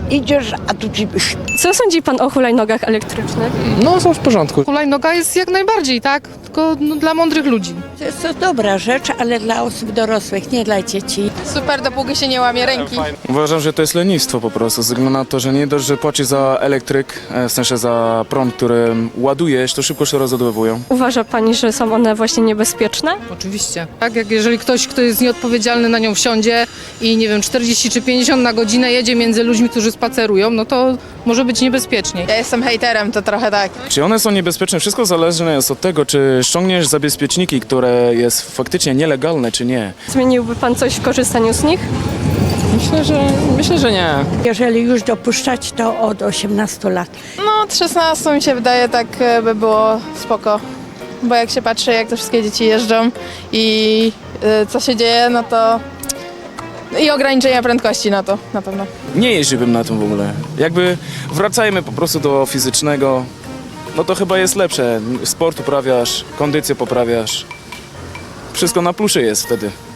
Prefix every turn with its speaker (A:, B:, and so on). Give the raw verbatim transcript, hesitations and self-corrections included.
A: Idziesz, a tu ci...
B: Co sądzi pan o hulajnogach elektrycznych?
C: No, są w porządku.
D: Hulajnoga jest jak najbardziej, tak? Tylko no, dla mądrych ludzi.
A: To jest to dobra rzecz, ale dla osób dorosłych, nie dla dzieci.
E: Super, dopóki się nie łamie ręki.
F: Uważam, że to jest lenistwo po prostu, ze względu na to, że nie dość, że płacisz za elektryk, e, w sensie za prąd, którym ładujesz, to szybko się rozładowują.
B: Uważa pani, że są one właśnie niebezpieczne?
D: Oczywiście. Tak, jak jeżeli ktoś, kto jest nieodpowiedzialny, na nią wsiądzie i nie wiem, czterdzieści czy pięćdziesiąt na godzinę jedzie między ludźmi, którzy spacerują, no to może być niebezpiecznie.
E: Ja jestem hejterem, to trochę tak.
F: Czy one są niebezpieczne? Wszystko zależne jest od tego, czy ściągniesz zabezpieczniki, które jest faktycznie nielegalne, czy nie.
B: Zmieniłby pan coś w korzystaniu z nich?
C: Myślę, że, myślę, że nie.
A: Jeżeli już dopuszczać, to od osiemnastu lat.
E: No od szesnastu mi się wydaje, tak e, by było spoko. Bo jak się patrzy, jak te wszystkie dzieci jeżdżą i e, co się dzieje, no to... I ograniczenia prędkości, no to na pewno.
F: Nie jeździłbym na tym w ogóle. Jakby wracajmy po prostu do fizycznego, no to chyba jest lepsze. Sport uprawiasz, kondycję poprawiasz. Wszystko na plusie jest wtedy.